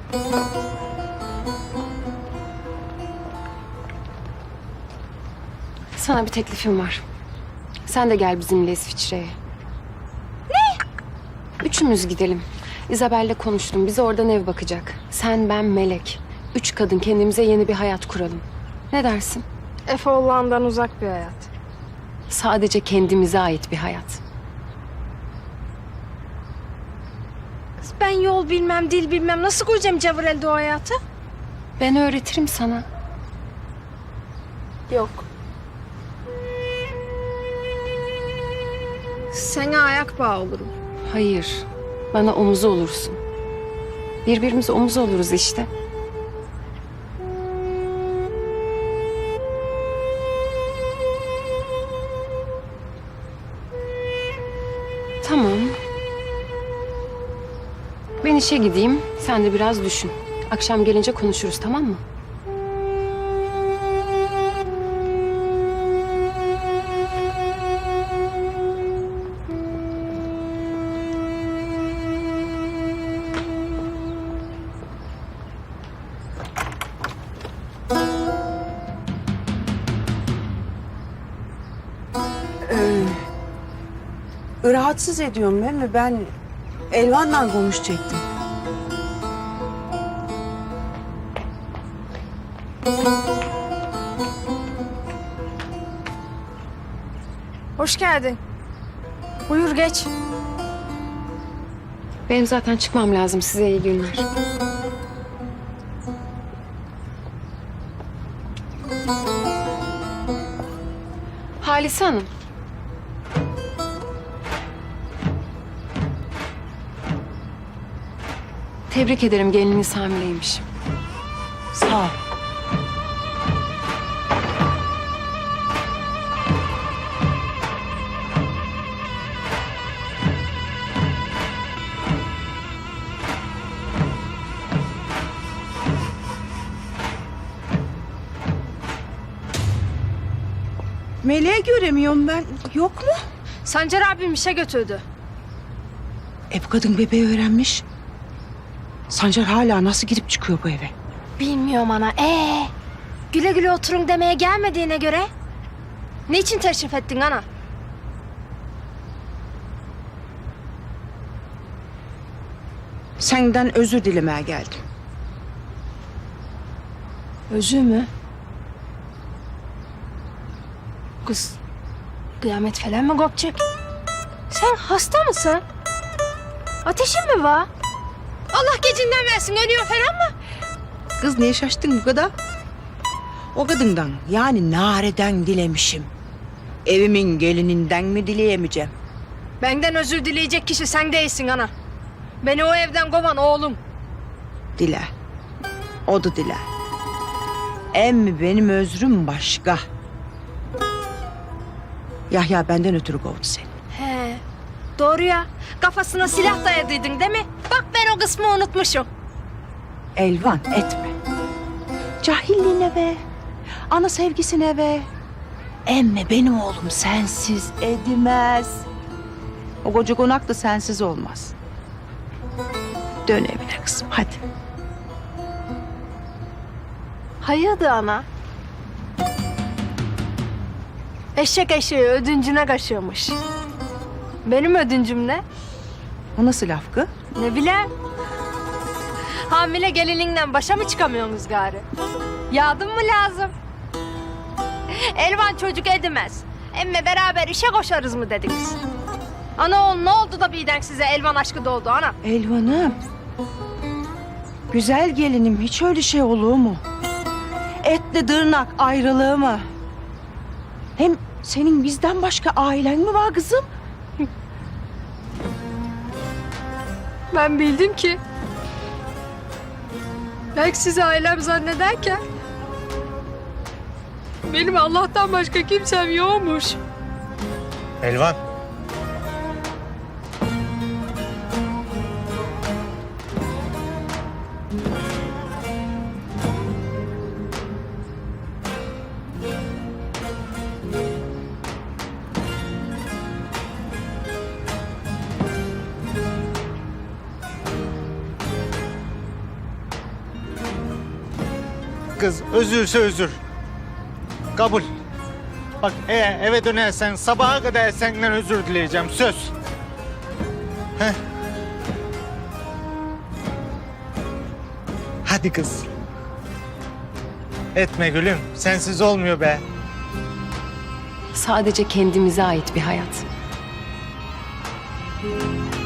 Sana bir teklifim var. Sen de gel bizimle İsviçre'ye. Ne? Üçümüz gidelim. İzabel'le konuştum. Bize oradan ev bakacak. Sen, ben, Melek. 3 kadın kendimize yeni bir hayat kuralım. Ne dersin? Efe Oğlan'dan uzak bir hayat. Sadece kendimize ait bir hayat. Kız ben yol bilmem, dil bilmem. Nasıl koyacağım Cavırel'de o hayatı? Ben öğretirim sana. Yok. Sana ayak bağı olurum. Hayır. Bana omuzu olursun. Birbirimize omuz oluruz işte. Tamam. Ben işe gideyim. Sen de biraz düşün. Akşam gelince konuşuruz, tamam mı? Rahatsız ediyorum değil mi? Ben Elvan'la konuşacaktım. Hoş geldin. Buyur geç. Benim zaten çıkmam lazım. Size iyi günler. Halise Hanım. Tebrik ederim, gelininiz hamileymiş. Sağ ol. Meleği göremiyorum ben. Yok mu? Sancar abim işe götürdü. Bu kadın bebeği öğrenmiş. Sancar hala nasıl girip çıkıyor bu eve? Bilmiyorum ana. Güle güle oturun demeye gelmediğine göre. Niçin teşrif ettin ana? Senden özür dilemeye geldim. Özür mü? Kız, kıyamet falan mı kopacak? Sen hasta mısın? Ateşin mi var? Allah gecinden versin, ölüyor falan mı? Kız niye şaştın bu kadar? O kadından yani Nare'den dilemişim. Evimin gelininden mi dileyemeyeceğim? Benden özür dileyecek kişi sen değilsin ana. Beni o evden kovan oğlum. Dile. O da dile. Emmi benim özrüm başka. Yahya benden ötürü kovdu seni. He, doğru ya. Kafasına silah dayadıydın değil mi? Bak ben o kısmı unutmuşum. Elvan etme. Cahilliğine be. Ana sevgisine be. Emme benim oğlum sensiz edemez. O koca konak da sensiz olmaz. Dön evine kızım hadi. Hayırdır ana? Eşek eşeği ödüncüne kaşıyormuş. Benim ödüncüm ne? O nasıl laf kız? Ne bileyim. Hamile gelinliğinden başa mı çıkamıyorsunuz gari? Yardım mı lazım? Elvan çocuk edemez. Emme beraber işe koşarız mı dediniz? Ana oğlum ne oldu da birden size Elvan aşkı doğdu ana? Elvan'ım. Güzel gelinim hiç öyle şey olur mu? Etle tırnak ayrılığı mı? Hem senin bizden başka ailen mi var kızım? Ben bildim ki. Belki sizi ailem zannederken benim Allah'tan başka kimsem yokmuş. Elvan. kız, özürse özür. Kabul. Bak eğer eve dönersen sabaha kadar senden özür dileyeceğim, söz. Heh. Hadi kız. Etme gülüm, sensiz olmuyor be. Sadece kendimize ait bir hayat.